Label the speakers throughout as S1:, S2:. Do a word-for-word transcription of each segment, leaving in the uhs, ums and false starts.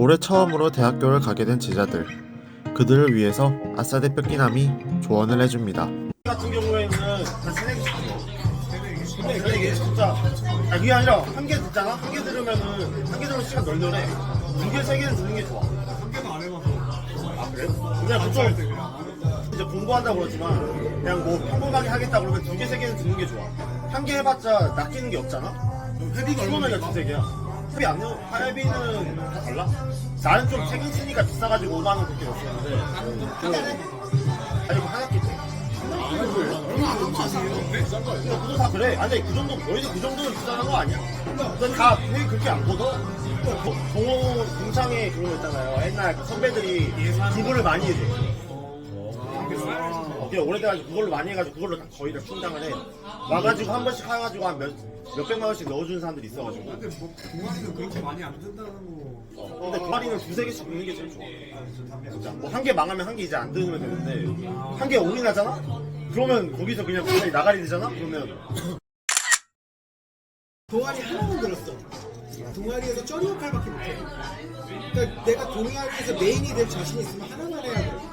S1: 올해 처음으로 대학교를 가게 된 제자들, 그들을 위해서 아싸 대표 끼남이 조언을 해줍니다.
S2: 같은 경우에는 한 세네 개씩 들어. 근데 세네 개 진짜 아 그게 아니라 한 개 듣잖아? 한 개 들으면은 한 개 들으면 시간 널널해. 두 개, 세 개는 듣는 게 좋아.
S3: 한 개도 안 해봐서.
S2: 아 그래? 근데 보통 이제 공부한다고 그러지만 그냥 뭐 평범하게 하겠다 그러면 두 개, 세 개는 듣는 게 좋아. 한 개 해봤자 낚이는 게 없잖아?
S3: 헤비가
S2: 처음에가 두세 개야. 헤비 안 넣어? 헤비는 다 달라? 나는 좀 책 있으니까 비싸가지고 오만 원 그렇게 넣었었는데 아니 그 한 학기 때
S3: 얼마 안 넘는 거 아니에요? 비싼 거 아니에요?
S2: 그거 다 그래. 아니 그 정도 너희도 그 정도는 비싼 거 아니야? 넌다 회의 그렇게 안 걷어? 동호 동창회 그런 거 있잖아요. 옛날 그 선배들이 그거를 많이 해줘. 어, 오래돼가지고 그걸로 많이 해가지고 그걸로 다 거의 다 충당을 해. 와가지고 한 번씩 해가지고 한 몇, 몇백만 원씩 넣어주는 사람들이 있어가지고.
S3: 근데 뭐 동아리는 그렇게 많이 안 든다는 거.
S2: 어, 근데 동아리는 두세 개씩 넣는 게 제일 좋아. 진짜 뭐 한 개 망하면 한 개 이제 안 들으면 되는데 한 개 올인하잖아? 그러면 거기서 그냥 갑자기 나가리 되잖아? 그러면
S4: 동아리 하나만 들었어. 동아리에서 쩌리 역할밖에 못해. 그러니까 내가 동아리에서 메인이 될 자신 있으면 하나만 해야 돼.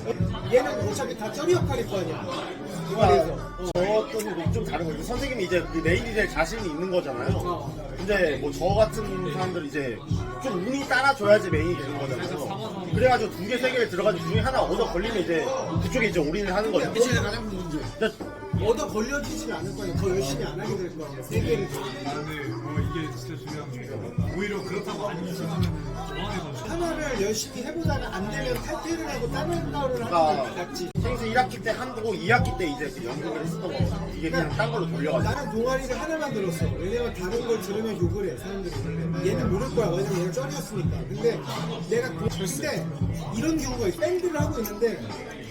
S4: 얘는 어차피 다 쩌리 역할일 거 아니야. 동아리에서. 어.
S2: 저것도 좀 다른 거죠. 선생님이 이제 그 메인이 될 자신이 있는 거잖아요. 근데 뭐 저 같은 사람들 이제 좀 운이 따라줘야지 메인이 되는 거잖아요. 그래가지고 두 개, 세 개를 들어가지고 그 중에 하나 얻어 걸리면 이제 그쪽에 이제 올인을 하는 거죠.
S4: 그게 제일 가장 큰 문제.
S2: 근데
S4: 얻어 걸려지지 않을 거 아니야. 더 열심히 안 하게 될 거 아니야. 세 개를.
S3: 나는 어, 이게 진짜 중요한 게 오히려 그렇다고 안 유심하면 좋아해서.
S4: 하나를 열심히 해보다가 안 되면 탈퇴를 하고 다른 거를 하는
S2: 아.
S4: 게 낫지.
S2: 생수 일 학기 때 한두고 이 학기 때 이제 그 연극을 했었던 거거든요. 이게 그냥 딴 걸로 돌려가지고.
S4: 나는 동아리를 하나만 들었어. 왜냐면 다른 걸 들으면 욕을 해, 사람들이. 얘는 모를 거야. 왜냐면 얘는 쩔이었으니까. 근데 내가, 그- 근데 이런 경우가 있어. 밴드를 하고 있는데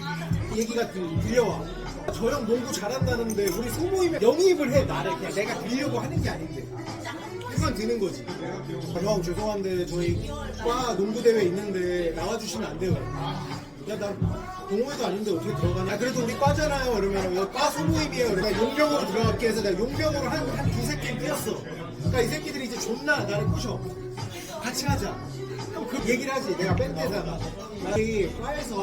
S4: 얘기가 들- 들려와. 저 형 농구 잘한다는데 우리 소모임에 영입을 해, 나를. 그냥 내가 빌려고 하는 게 아닌데. 그건 드는 거지. 아, 형, 죄송한데 저희 과 농구대회 있는데 나와주시면 안 돼요. 야, 나 동호회도 아닌데 어떻게 들어가냐? 야, 그래도 우리 과잖아요. 이러면 여기 과 소모임이에요. 그러니까 용병으로 들어갈게 해서 내가 용병으로 한, 한 두세 게임 뛰었어. 그러니까 이 새끼들이 이제 존나 나를 꼬셔. 같이 하자. 그럼 그 얘기를 하지. 내가 밴드에다가. 이 과에서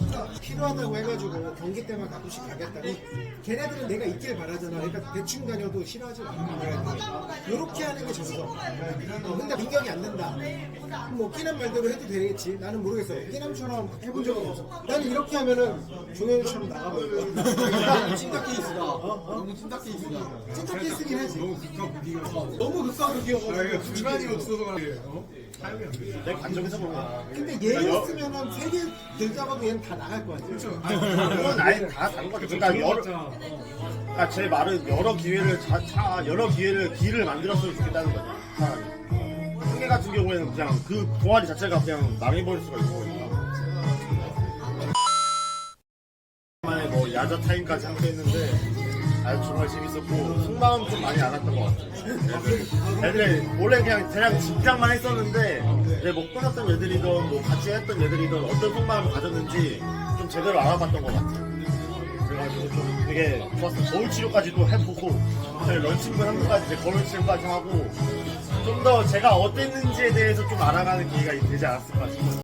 S4: 필요하다고 해가지고 경기 때만 가끔씩 가겠다. 이 걔네들은 내가 있길 바라잖아. 그러니까 대충 다녀도 싫어하지 마. 이렇게 하는 게 정석. 어, 근데 민경이 안 된다. 그럼 뭐 끼남 말대로 해도 되겠지. 나는 모르겠어. 끼남처럼 해본 적은 없어. 나는 이렇게 하면은 종현이처럼 나가버릴 거야. 찐따 케이스다. 어? 어? 너무 찐따 케이스다. 찐따 케이스긴 하지.
S3: 너무 극과 극이가.
S4: 너무 극과극이어가지고.
S3: 아, 이거 중간이 없어서 그래. 어? 사용이 안 돼.
S2: 내 관점에서 보면.
S4: 근데 얘였으면은 세 개 들다가도 얘는 다 나갈 거 같아.
S2: 그건 아예 다 다른 거죠. 그러니까 여러, 그러니까 제 말은 여러 기회를 자, 자 여러 기회를 기회를 만들었으면 좋겠다는 거죠. 차라리. 한개 같은 경우에는 그냥 그 동아리 자체가 그냥 망해버릴 수가 있는 거니까. 만에 뭐 야자 타임까지 함께 했는데 아주 정말 재밌었고 속마음 좀 많이 알았던 것 같아요. 애들, 애들이 원래 그냥 그냥 직장만 했었는데 이제 뭐 끊었던 애들이든 뭐 같이 했던 애들이든 어떤 속마음을 가졌는지 좀 제대로 알아봤던 것 같아요. 그래가지고 좀 되게 좋았어요. 거울 치료까지도 해보고 저희 런칭분 한 번까지 이제 거울 치료까지 하고 좀 더 제가 어땠는지에 대해서 좀 알아가는 기회가 되지 않았을까 싶어요.